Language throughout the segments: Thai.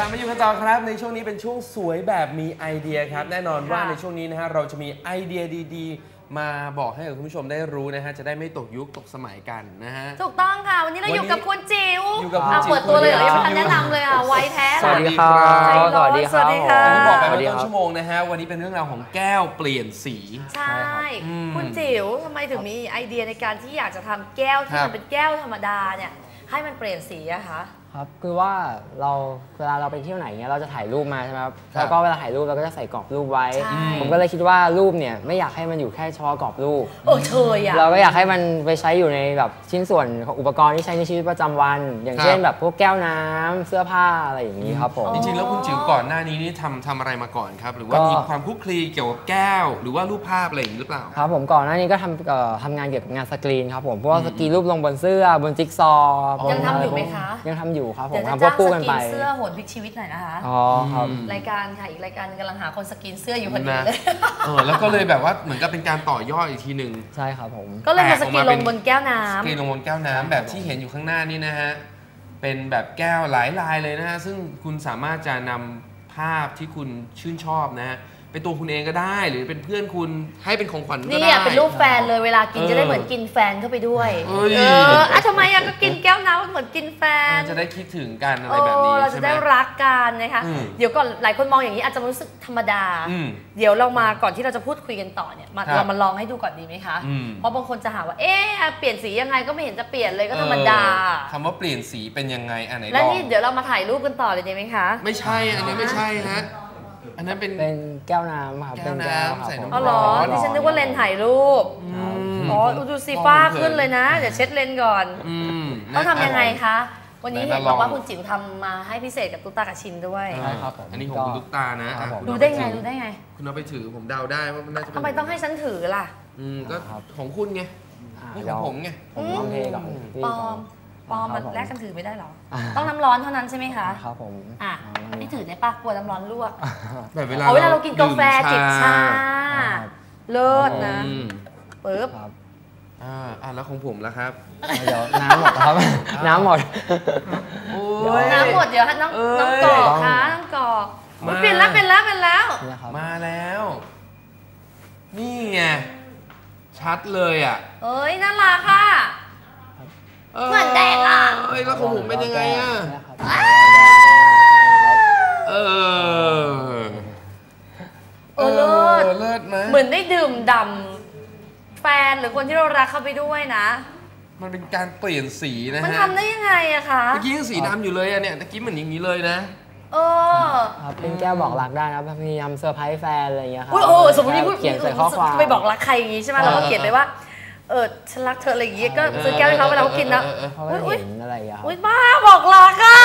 บมาอยู่กันต่อครับในช่วงนี้เป็นช่วงสวยแบบมีไอเดียครับแน่นอนว่าในช่วงนี้นะฮะเราจะมีไอเดียดีๆมาบอกให้กับคุณผู้ชมได้รู้นะฮะจะได้ไม่ตกยุคตกสมัยกันนะฮะถูกต้องค่ะวันนี้เราอยู่กับคุณจิ๋วอยู่กับคุณจิ๋วเปิดตัวเลยเหรอยังไม่ทันแนะนำเลยอ่ะไวแท้สวัสดีครับสวัสดีค่ะที่บอกไปเมื่อต้นชั่วโมงนะฮะวันนี้เป็นเรื่องราวของแก้วเปลี่ยนสีใช่คุณจิ๋วทำไมถึงมีไอเดียในการที่อยากจะทำแก้วที่มันเป็นแก้วธรรมดาเนี่ยให้มันเปลี่ยนสีอะคะครับคือว่าเวลาเราไปเที่ยวไหนเงี้ยเราจะถ่ายรูปมาใช่ไหมครับแล้วก็เวลาถ่ายรูปเราก็จะใส่กรอบรูปไว้ผมก็เลยคิดว่ารูปเนี่ยไม่อยากให้มันอยู่แค่เฉพาะกรอบรูปเชยอะเราก็อยากให้มันไปใช้อยู่ในแบบชิ้นส่วนของอุปกรณ์ที่ใช้ในชีวิตประจำวันอย่างเช่นแบบพวกแก้วน้ำเสื้อผ้าอะไรอย่างนี้ครับผมจริงๆแล้วคุณจิ๋วก่อนหน้านี้นี่ทำอะไรมาก่อนครับหรือว่ามีความคลุกคลีเกี่ยวกับแก้วหรือว่ารูปภาพอะไรอย่างนี้หรือเปล่าครับผมก่อนหน้านี้ก็ทำงานเกี่ยวกับงานสกรีนครับผมพวกสกรีนรูปลงบนเสื้อบนจิ๊กซอว์ยังทำอยู่ไหมคะยังทำอยู่ครับผมทำควบคู่กันไปเสื้อโหนพลิกชีวิตหน่อยนะคะอ๋อครับรายการค่ะอีกรายการกำลังหาคนสกรีนเสื้ออยู่พอดีเลยแล้วก็เลยแบบว่าเหมือนกับเป็นการต่อยอดอีกทีหนึ่งใช่ครับผมก็เลยมาสกรีนลงบนแก้วน้ำสกรีนลงบนแก้วน้ำแบบที่เห็นอยู่ข้างหน้านี่นะฮะเป็นแบบแก้วหลายลายเลยนะฮะซึ่งคุณสามารถจะนำภาพที่คุณชื่นชอบนะฮะเป็นตัวคุณเองก็ได้หรือเป็นเพื่อนคุณให้เป็นของขวัญก็ได้นี่เป็นรูปแฟนเลยเวลากินจะได้เหมือนกินแฟนเข้าไปด้วยทำไมก็กินแก้วน้ำเหมือนกินแฟนจะได้คิดถึงกันอะไรแบบนี้เราจะได้รักกันนะคะเดี๋ยวก่อนหลายคนมองอย่างนี้อาจจะรู้สึกธรรมดาเดี๋ยวเรามาก่อนที่เราจะพูดคุยกันต่อเนี่ยเรามาลองให้ดูก่อนดีไหมคะเพราะบางคนจะหาว่าเปลี่ยนสียังไงก็ไม่เห็นจะเปลี่ยนเลยก็ธรรมดาคำว่าเปลี่ยนสีเป็นยังไงอันไหนแล้วนี่เดี๋ยวเรามาถ่ายรูปกันต่อเลยดีไหมคะไม่ใช่อันนี้ไม่ใช่ฮะอันนั้นเป็นแก้วน้ำครับเป็นแก้วใส่น้ำอ๋อเหรอดิฉันนึกว่าเลนถ่ายรูปดูสีฟ้าขึ้นเลยนะเดี๋ยวเช็ดเลนก่อนต้องทำยังไงคะวันนี้เห็นบอกว่าคุณจิ๋วทำมาให้พิเศษกับตุ๊กตากับชินด้วยใช่ครับอันนี้ของคุณตุ๊กตานะดูได้ไงคุณเอาไปถือผมเดาได้ว่ามันน่าจะทำไมต้องให้ฉันถือล่ะก็ของคุณไงนี่ของผมไงผมลองเทก่อนปอมมันแลกกันถือไม่ได้หรอต้องน้ำร้อนเท่านั้นใช่ไหมคะครับผมนี่ถือได้ปะกลัวน้ำร้อนลวกแบบเวลาเรากินกาแฟจิบชาเลิศนะปึ๊บแล้วของผมล่ะครับเดี๋ยวน้ำหมดครับน้ำหมดน้ำหมดเดี๋ยวน้องกอกค่ะน้องกอกเปลี่ยนแล้วมาแล้วนี่ไงชัดเลยอ่ะน่ารักค่ะเหมือนเด็กอ่ะแล้วของผมเป็นยังไงอ่ะเลิศไหมเหมือนได้ดื่มด่ำแฟนหรือคนที่เรารักเข้าไปด้วยนะมันเป็นการเปลี่ยนสีนะฮะมันทำได้ยังไงอะคะเมื่อกี้ยังสีดำอยู่เลยอะเนี่ยเมื่อกี้เหมือนอย่างนี้เลยนะครับเป็นแก้วบอกรักได้นะพยายามเซอร์ไพรส์แฟนอะไรอย่างเงี้ยครับสมมติเขียนใส่ข้อความไปบอกรักใครอย่างงี้ใช่ไหมเราก็เขียนไปว่าฉันรักเธออะไรอย่างงี้ก็ซื้อแก้วให้เขาเวลาเขากินนะเห็นอะไรอย่างเงี้ยบ้าบอกรักอะ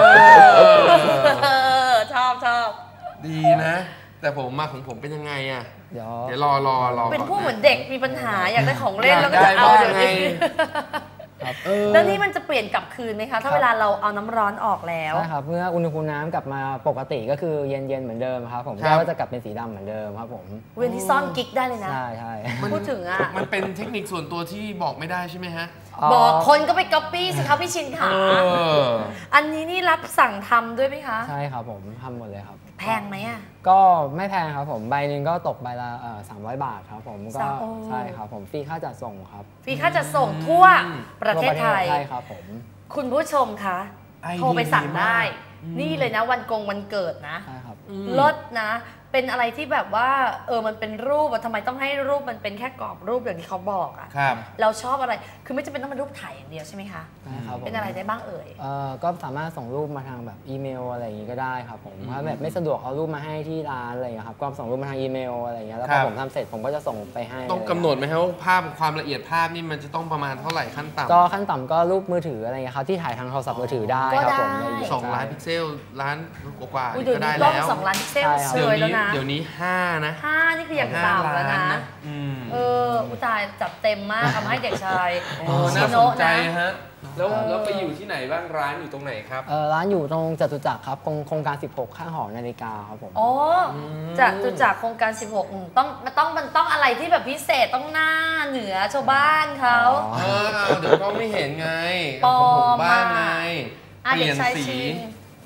ชอบดีนะแต่ของผมเป็นยังไงอะเดี๋ยวรอเป็นผู้เหมือนเด็กมีปัญหาอยากได้ของเล่นแล้วก็จะเอาเดี๋ยวนี้แล้วนี่มันจะเปลี่ยนกลับคืนไหมคะถ้าเวลาเราเอาน้ำร้อนออกแล้วใช่ครับเมื่ออุณหภูมิน้ำกลับมาปกติก็คือเย็นเหมือนเดิมครับผมก็จะกลับเป็นสีดำเหมือนเดิมครับผมเว้นที่ซ่อนกิ๊กได้เลยนะใช่พูดถึงอ่ะมันเป็นเทคนิคส่วนตัวที่บอกไม่ได้ใช่ไหมฮะบอกคนก็ไปก๊อปปี้สิคะพี่ชินค่ะอันนี้นี่รับสั่งทำด้วยไหมคะใช่ครับผมทำหมดเลยครับแพงไหมอ่ะก็ไม่แพงครับผมใบหนึ่งก็ตกใบละ300 บาทครับผมก็ใช่ครับผมฟรีค่าจัดส่งครับฟรีค่าจัดส่งทั่วประเทศไทยใช่ครับผมคุณผู้ชมคะโทรไปสั่งได้นี่เลยนะวันเกิดนะลดนะเป็นอะไรที่แบบว่ามันเป็นรูปทำไมต้องให้รูปมันเป็นแค่กรอบรูปอย่างที่เขาบอกอ่ะเราชอบอะไรคือไม่จำเป็นต้องเป็นรูปถ่ายอย่างเดียวใช่ไหมคะเป็นอะไรได้บ้างก็สามารถส่งรูปมาทางแบบอีเมลอะไรอย่างงี้ก็ได้ครับผมถ้าแบบไม่สะดวกเอารูปมาให้ที่ร้านอะไรอย่างเงี้ยครับก็ส่งรูปมาทางอีเมลอะไรอย่างเงี้ยแล้วพอผมทำเสร็จผมก็จะส่งไปให้ต้องกำหนดไหมครับว่าภาพความละเอียดภาพนี่มันจะต้องประมาณเท่าไหร่ขั้นต่ำก็ขั้นต่ำก็รูปมือถืออะไรเงี้ยครับที่ถ่ายทางโทรศัพท์มือถือได้ครับผม 2 ล้านพิกเซลล้านกว่าก็ได้แล้ว 2 ล้านพิกเซลเฉยแล้วนะเดี๋ยวนี้5นะ 5นี่คืออย่างต่ำแล้วนะอุตายจับเต็มมากทำให้เด็กชายน่าสนใจฮะแล้วไปอยู่ที่ไหนบ้างร้านอยู่ตรงไหนครับร้านอยู่ตรงจตุจักรครับโครงการ16ข้างหอนาฬิกาครับผมจตุจักรโครงการ16ต้องอะไรที่แบบพิเศษต้องหน้าเหนือชาวบ้านเขาเดี๋ยวก็ไม่เห็นไงปอมบ้านไงเปลี่ยนสี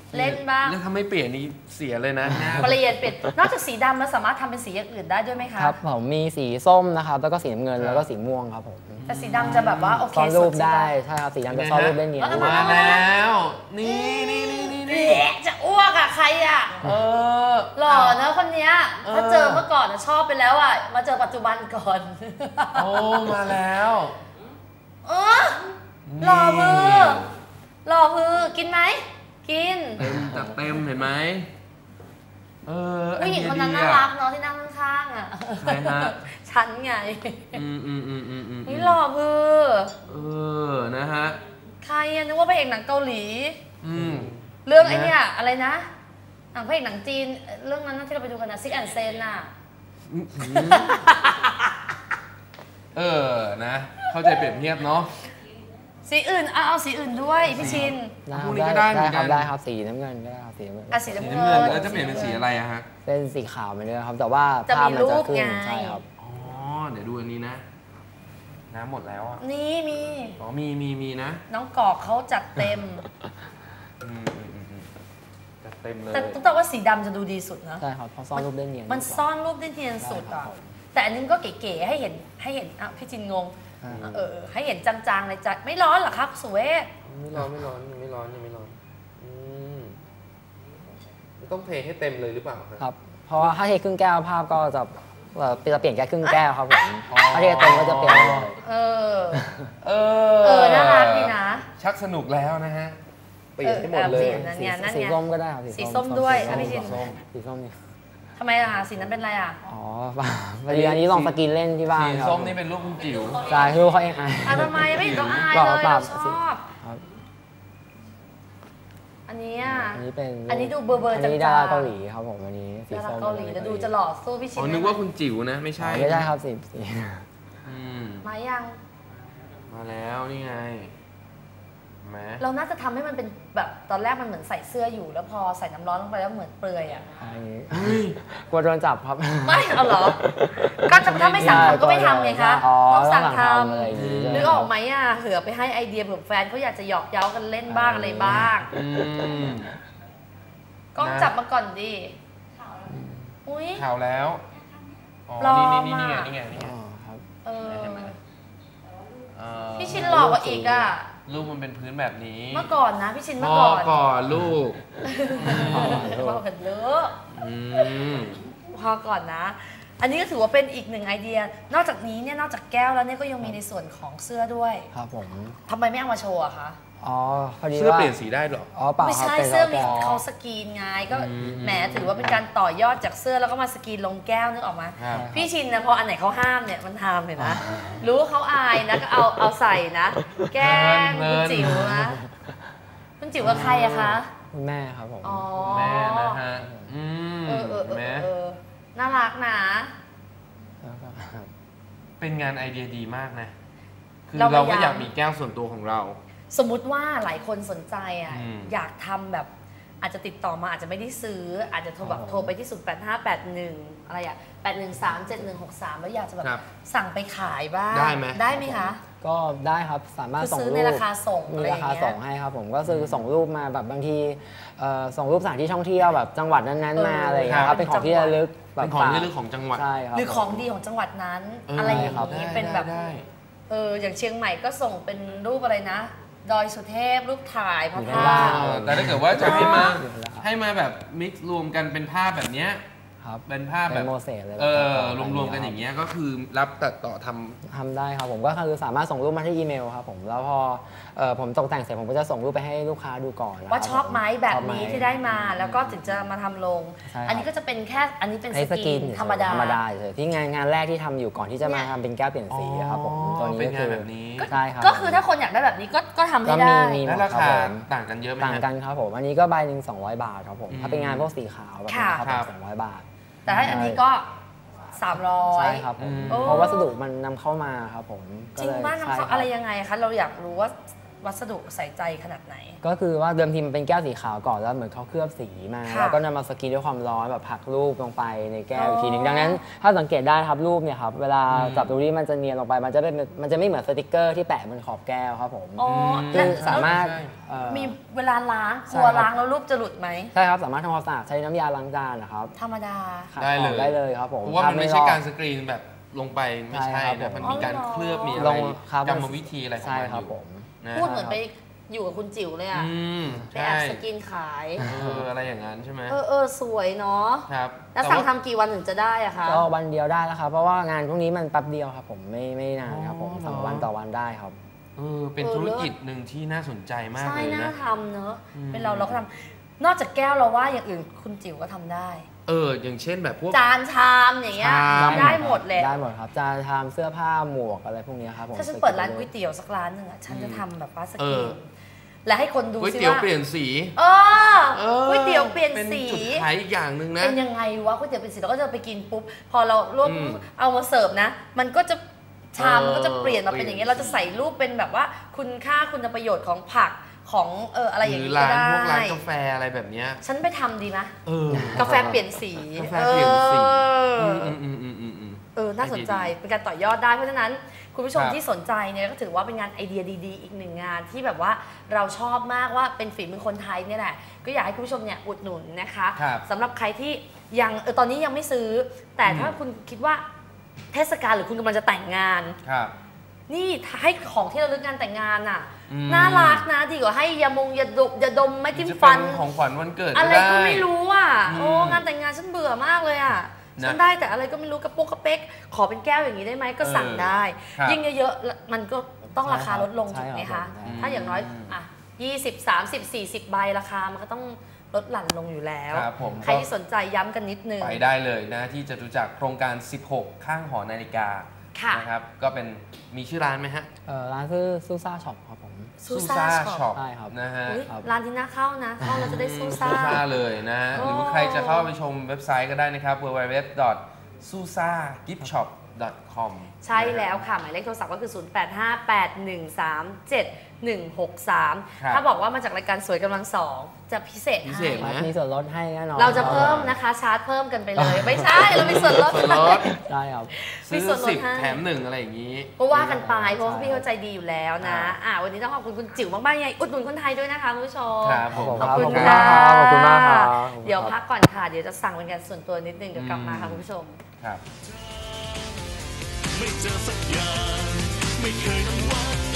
เล่นบ้างแล้วถ้าไม่เปลี่ยนนี่เสียเลยนะเปลี่ยนนอกจากสีดำแล้วสามารถทำเป็นสีอย่างอื่นได้ด้วยไหมคะครับผมมีสีส้มนะครับแล้วก็สีน้ำเงินแล้วก็สีม่วงครับผมแต่สีดำจะแบบว่าโอเคซ่อนรูปได้ใช่ครับสีดำจะซ่อนรูปได้เนียนมาแล้วนี่จะอ้วกอะใครอะหล่อเนอะคนเนี้ยถ้าเจอเมื่อก่อนชอบไปแล้วอะมาเจอปัจจุบันก่อนโอ้มาแล้วหล่อมือกินไหมกินจัดเต็มเห็นไหมผู้หญิงคนนั้นน่ารักเนาะที่นั่งข้างๆอะใช่ฮะฉันไงนี่หล่อมือนะฮะใครนึกว่าพระเอกหนังเกาหลีเรื่องไอ้เนี่ยอะไรนะหนังพระเอกหนังจีนเรื่องนั้นที่เราไปดูกันนะซิกแอนเซนน่ะนะเข้าใจเปรียบเทียบเนาะสีอื่นเอาสีอื่นด้วยพี่ชินพวกนี้ก็ได้เหมือนกันได้ครับสีน้ำเงินก็ได้ครับสีน้ำเงินสีน้ำเงินแล้วจะเปลี่ยนเป็นสีอะไรอะฮะเป็นสีขาวไปเลยครับแต่ว่าภาพมันจะขึ้นใช่ครับเดี๋ยวดูอันนี้นะน้ำหมดแล้วอ่ะนี่มีมีนะน้องกอกเขาจัดเต็มจัดเต็มเลยแต่ต้องว่าสีดำจะดูดีสุดนะใช่ครับเพราะซ่อนรูปได้เนียนมันซ่อนรูปได้เนียนสุดอ่ะแต่อันนี้ก็เก๋ๆให้เห็นพี่จินงงให้เห็นจางๆในใจไม่ร้อนหรอครับสุเวศไม่ร้อนต้องเทให้เต็มเลยหรือเปล่าครับเพราะว่าถ้าเทครึ่งแก้วภาพก็จะเปลี่ยนแค่ครึ่งแก้วครับผมถ้าเทเต็มก็จะเปลี่ยนเลยน่ารักดีนะชักสนุกแล้วนะฮะเปลี่ยนให้หมดเลยสีส้มก็ได้ครับสีส้มด้วยพี่ชินสีส้มนี่ทำไมล่ะสีนั้นเป็นอะไรอ่ะพอดีอันนี้ลองสกินเล่นที่บ้านสีส้มนี่เป็นลูกคุณจิ๋วใช่ลูกเขาเองทำไมไม่เห็นต้องอายเลยเราชอบอันนี้ดูเบอร์อันนี้ดาราเกาหลีครับผมอันนี้สีส้มเกาหลีแล้วดูจะหล่อสู้พี่ชินนึกว่าคุณจิ๋วนะไม่ใช่ครับสีมายังมาแล้วนี่ไงเราน่าจะทำให้มันเป็นแบบตอนแรกมันเหมือนใส่เสื้ออยู่แล้วพอใส่น้ำร้อนลงไปแล้วเหมือนเปลือยอ่ะกลัวโดนจับครับไม่เอาเหรอก็ถ้าไม่สั่งทำก็ไม่ทำไงคะต้องสั่งทำนึกออกไหมอ่ะเผื่อไปให้ไอเดียเผื่อแฟนเขาอยากจะหยอกเย้ากันเล่นบ้างอะไรบ้างก็จับมาก่อนดิข่าวแล้วนี่ไงพี่ชินหลอกกว่าอีกอ่ะลูกมันเป็นพื้นแบบนี้เมื่อก่อนนะพี่ชินเมื่อก่อนลูกพอกันเลอะพอก่อนนะอันนี้ก็ถือว่าเป็นอีกหนึ่งไอเดียนอกจากนี้เนี่ยนอกจากแก้วแล้วเนี่ยก็ยังมีในส่วนของเสื้อด้วยครับผมทำไมไม่เอามาโชว์อะคะพอดีเสื้อเปลี่ยนสีได้หรอไม่ใช่เสื้อมีเขาสกรีนไงก็แหมถือว่าเป็นการต่อยอดจากเสื้อแล้วก็มาสกรีนลงแก้วนึกออกมาพี่ชินนะพออันไหนเขาห้ามเนี่ยมันทำเลยนะรู้ว่าเขาอายนะก็เอาใส่นะแก้มคุณจิ๋วนะคุณจิ๋วกับใครอะคะคุณแม่ครับผมแม่นะฮะแม่น่ารักนะเป็นงานไอเดียดีมากนะคือเราก็อยากมีแก้วส่วนตัวของเราสมมุติว่าหลายคนสนใจอ่ะอยากทำแบบอาจจะติดต่อมาอาจจะไม่ได้ซื้ออาจจะโทรไปที่08581อะไรอ่ะ8137163แล้วอยากจะแบบสั่งไปขายบ้างได้ไหมคะก็ได้ครับสามารถส่งรูปในราคาส่งมีราคาส่งให้ครับผมก็คือส่งรูปมาแบบบางทีส่งรูปสถานที่ท่องเที่ยวแบบจังหวัดนั้นๆมาอะไรอย่างเงี้ยครับเป็นของที่ระลึกเป็นของที่ระลึกของจังหวัดหรือของดีของจังหวัดนั้นอะไรอย่างนี้เป็นแบบอย่างเชียงใหม่ก็ส่งเป็นรูปอะไรนะดอยสุเทพรูปถ่ายภาพแต่ถ้าเกิดว่าจะให้มาแบบมิกซ์รวมกันเป็นภาพแบบเนี้ยเป็นภาพแบบโมเสสเลยรวมๆกันอย่างเงี้ยก็คือรับตัดต่อทำได้ครับผมก็คือสามารถส่งรูปมาที่อีเมลครับผมแล้วพอผมตกแต่งเสร็จผมก็จะส่งรูปไปให้ลูกค้าดูก่อนว่าชอบไหมแบบนี้ที่ได้มาแล้วก็ถึงจะมาทำลงอันนี้ก็จะเป็นแค่อันนี้เป็นสกรีนธรรมดาเลยที่งานแรกที่ทำอยู่ก่อนที่จะมาทำเป็นแก้วเปลี่ยนสีครับผมตัวนี้ก็คือแบบนี้ใช่ครับก็คือถ้าคนอยากได้แบบนี้ก็ทำให้ได้แล้วราคาต่างกันเยอะไหมต่างกันครับผมอันนี้ก็ใบหนึ่ง200 บาทครับผมถ้าเป็นงานพวกสีขาวแบบนี้ครับ200 บาทแต่ถ้าอันนี้ก็300 ใช่ครับเพราะวัสดุมันนำเข้ามาครับผมจริงมากนำเข้าอะไรยังไงคะเราอยากรู้ว่าวัสดุใส่ใจขนาดไหนก็คือว่าเดิมทีมันเป็นแก้วสีขาวก่อนแล้วเหมือนเขาเคลือบสีมาแล้วก็นำมาสกรีนด้วยความร้อนแบบผักรูปลงไปในแก้วอีกทีหนึ่งดังนั้นถ้าสังเกตได้ครับรูปเนี่ยครับเวลาจับดูนี่มันจะเนียนลงไปมันจะไม่เหมือนสติกเกอร์ที่แปะบนขอบแก้วครับผมซึ่งสามารถมีเวลาล้างกลัวล้างแล้วรูปจะหลุดไหมใช่ครับสามารถทำความสะอาดใช้น้ำยาล้างจานนะครับธรรมดาได้เลยครับผมเพราะว่ามันไม่ใช่การสกรีนแบบลงไปไม่ใช่นะมันมีการเคลือบมีอะไรกรรมวิธีอะไรของมันอยู่พูดเหมือนไปอยู่กับคุณจิ๋วเลยอ่ะไปแอบสกินขายอะไรอย่างนั้นใช่ไหมสวยเนาะครับแล้วสั่งทำกี่วันถึงจะได้อะคะก็วันเดียวได้แล้วครับเพราะว่างานพวกนี้มันแป๊บเดียวครับผมไม่นานครับผมสั่งวันต่อวันได้ครับเป็นธุรกิจหนึ่งที่น่าสนใจมากเลยนะใช่น่าทำเนอะเป็นเราก็ทำนอกจากแก้วเราว่าอย่างอื่นคุณจิ๋วก็ทำได้อย่างเช่นแบบพวกจานชามอย่างเงี้ยได้หมดเลยได้หมดครับจานชามเสื้อผ้าหมวกอะไรพวกนี้ครับผมถ้าฉันเปิดร้านก๋วยเตี๋ยวสักร้านหนึ่งฉันจะทำแบบว่าสกรีนและให้คนดูก๋วยเตี๋ยวเปลี่ยนสีก๋วยเตี๋ยวเปลี่ยนสีเป็นจุดขายอีกอย่างหนึ่งนะเป็นยังไงวะก๋วยเตี๋ยวเปลี่ยนสีเราก็จะไปกินปุ๊บพอเรารวบเอามาเสิร์ฟนะมันก็จะชามมันก็จะเปลี่ยนมาเป็นอย่างเงี้ยเราจะใส่รูปเป็นแบบว่าคุณค่าคุณประโยชน์ของผักของอะไรอย่างนี้ก็ได้พวกร้านกาแฟอะไรแบบนี้ฉันไปทำดีนะกาแฟเปลี่ยนสีกาแฟเปลี่ยนสีน่าสนใจเป็นการต่อยอดได้เพราะฉะนั้นคุณผู้ชมที่สนใจเนี่ยก็ถือว่าเป็นงานไอเดียดีๆอีกหนึ่งงานที่แบบว่าเราชอบมากว่าเป็นฝีมือคนไทยเนี่ยแหละก็อยากให้คุณผู้ชมเนี่ยอุดหนุนนะคะสำหรับใครที่ยังตอนนี้ยังไม่ซื้อแต่ถ้าคุณคิดว่าเทศกาลหรือคุณกำลังจะแต่งงานนี่ให้ของที่ระลึกงานแต่งงานน่ะน่ารักนะดีกว่าให้ยาดมไม่จิ้มฟันของขวัญวันเกิดอะไรก็ไม่รู้อ่ะงานแต่งงานฉันเบื่อมากเลยอ่ะฉันได้แต่อะไรก็ไม่รู้กระปุกกระเป๊กขอเป็นแก้วอย่างนี้ได้ไหมก็สั่งได้ยิ่งเยอะๆมันก็ต้องราคาลดลงถูกไหมคะถ้าอย่างน้อย20 30 40 ใบราคามันก็ต้องลดหลั่นลงอยู่แล้วใครที่สนใจย้ำกันนิดนึงไปได้เลยนะที่จตุจักรโครงการ16ข้างหอนาฬิกานะครับก็เป็นมีชื่อร้านไหมฮะร้านชื่อซูซ่าช็อปครับผมซูซ่าช็อปใช่ครับนะฮะร้านที่น่าเข้านะเข้าเราจะได้ซูซ่าเลยนะหรือใครจะเข้าไปชมเว็บไซต์ก็ได้นะครับ www.susagipshop.com ใช่แล้วค่ะหมายเลขโทรศัพท์ก็คือ 0858137163 ถ้าบอกว่ามาจากรายการสวยกำลังสองจะพิเศษให้มีส่วนลดให้แน่นอนเราจะเพิ่มนะคะชาร์จเพิ่มกันไปเลยไม่ใช่เรามีส่วนลดได้ครับซื้อ10แถม1อะไรอย่างนี้ก็ว่ากันไปเพราะพี่เข้าใจดีอยู่แล้วนะวันนี้ต้องขอบคุณคุณจิ๋วมากๆไงอุดหนุนคนไทยด้วยนะคะคุณผู้ชมขอบคุณค่ะขอบคุณมากค่ะเดี๋ยวพักก่อนค่ะเดี๋ยวจะสั่งเป็นการส่วนตัวนิดนึงเดี๋ยวกลับมาค่ะคุณผู้ชมครับไม่เจอสักอย่างไม่เคยต้องวัด